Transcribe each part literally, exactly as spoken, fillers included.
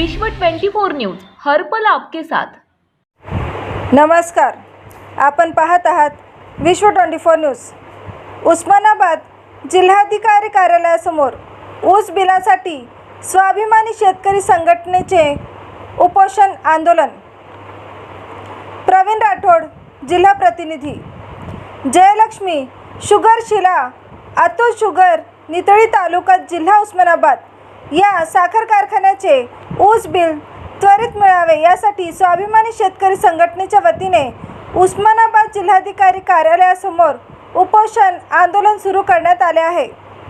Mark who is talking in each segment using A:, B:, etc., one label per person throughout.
A: विश्व चोवीस न्यूज हर पल आपके साथ।
B: नमस्कार, आपण पाहत आहात विश्व चोवीस न्यूज। उस्मानाबाद जिल्हाधिकारी कार्यालयासमोर ऊस बिलासाठी स्वाभिमानी शेतकरी संघटनेचे उपोषण आंदोलन। प्रवीण राठोड, जिल्हा प्रतिनिधी। जयलक्ष्मी शुगर शिला, अतुल शुगर, नितळी तालुका, जिल्हा उस्मानाबाद या साखर कारखान्याचे ऊस बिल त्वरित मिळावे यासाठी स्वाभिमानी शेतकरी संघटनेच्या वतीने उस्मानाबाद जिल्हाधिकारी कार्यालयासमोर उपोषण आंदोलन सुरू करण्यात आले आहे।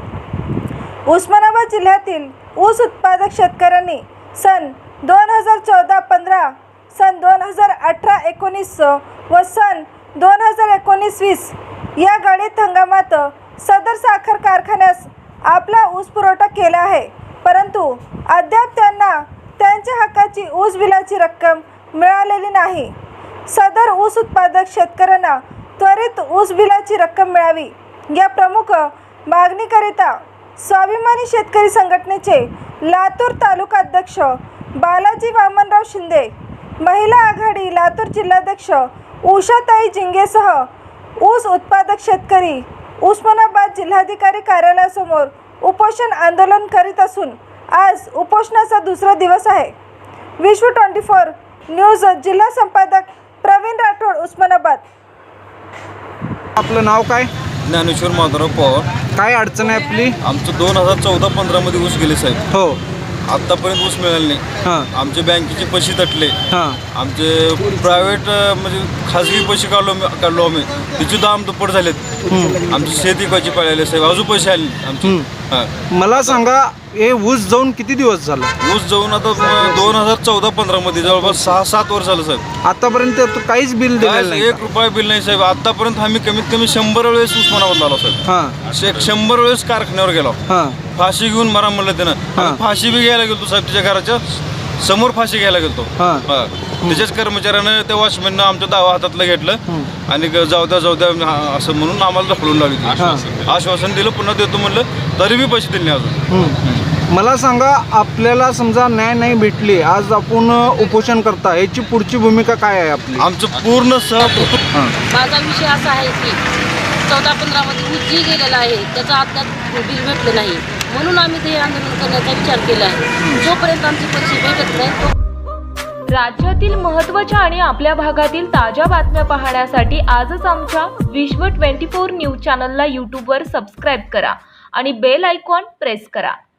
B: उस्मानाबाद जिल्ह्यातील ऊस उत्पादक शेतकऱ्यांनी सन दोन हजार चौदा पंधरा, सन दोन हजार अठरा एकोणीस व सन दोन हजार एकोणीस वीस या गळीत हंगामात सदर साखर कारखान्यास आपला ऊस पुरवठा केला आहे, परंतु अद्याप त्यांना त्यांच्या हक्काची ऊस बिलाची रक्कम मिळालेली नाही। सदर ऊस उत्पादक शेतकऱ्यांना त्वरित ऊस बिलाची रक्कम मिळावी या प्रमुख मागणीकरिता स्वाभिमानी शेतकरी संघटनेचे लातूर तालुका अध्यक्ष बालाजी वामनराव शिंदे, महिला आघाडी लातूर जिल्हाध्यक्ष उषाताई जिंगेसह ऊस उत्पादक शेतकरी उस्मानाबाद जिल्हाधिकारी कार्यालयासमोर उपोषण आंदोलन करीत असून आज उपोषणाचा दुसरा दिवस आहे। विश्व चोवीस न्यूज जिल्हा संपादक प्रवीण राठोड, उस्मानाबाद।
C: आपलं नाव काय?
D: ज्ञानेश्वर माधवराव पवार।
C: काय अडचण आहे आपली?
D: आमचं दोन हजार चौदा पंधरा मध्ये ऊस गेले साहेब।
C: हो,
D: आतापर्यंत ऊस मिळाले नाही।
C: हां
D: आमचे बँकेचे पैसे तटले,
C: हां
D: आमचे प्रायव्हेट म्हणजे खाजगी पैसे काढलो काढलो आम्ही, तिचे दाम दुप्पट झालेत। आमची शेती कशी पळाली साहेब, अजून पैसे आले आमचे। हां,
C: मला सांगा, हे ऊस जाऊन किती दिवस झाला?
D: ऊस जाऊन आता दोन हजार चौदा पंधरा मध्ये जवळपास सहा सात वर्ष झालं साहेब।
C: आतापर्यंत तो काहीच बिल दिलेलं नाही?
D: एक रुपया बिल नाही साहेब। आतापर्यंत आम्ही कमीत कमी शंभर वेळेस उस्मानाबाद आलो साहेब।
C: हां
D: एक शंभर वेळेस कारखान्यावर गेलो,
C: हां
D: फाशी घेऊन मरा म्हणलं त्यानं। आम्ही फाशी बी घ्यायला गेलो साहेब, तिच्या घराच्या समोर फाशी घ्यायला गेलो।
C: हां
D: त्याच्याच कर्मचाऱ्यानं त्या वॉचमॅननं आमच्या दावा हातातलं घेतलं आणि जाऊ द्या जाऊ द्या असं म्हणून आम्हाला ढकलून लावली। आश्वासन दिलं, पुन्हा देतो म्हणलं, तरी बी पैसे दिले नाही अजून।
C: मला सांगा, आपल्याला समजा न्याय नाही भेटली, आज आपण उपोषण करता, याची पुढची भूमिका काय आहे आपली?
D: आमचं पूर्ण सह
E: माझा विषय असा आहे की चौदा पंधरामध्ये ऊस जी गेलेला आहे त्याचा अद्याप बिल भेटलं नाही, म्हणून आम्ही ते आंदोलन करण्याचा विचार केला आहे। जोपर्यंत आमचे पैसे भेटत नाही तो
A: राज्यातील महत्त्वाच्या आणि आपल्या भागातील ताज्या बातम्या पाहण्यासाठी आजच आमच्या विश्व चोवीस न्यूज चॅनलला यूट्यूबवर सबस्क्राईब करा आणि बेल आयकॉन प्रेस करा।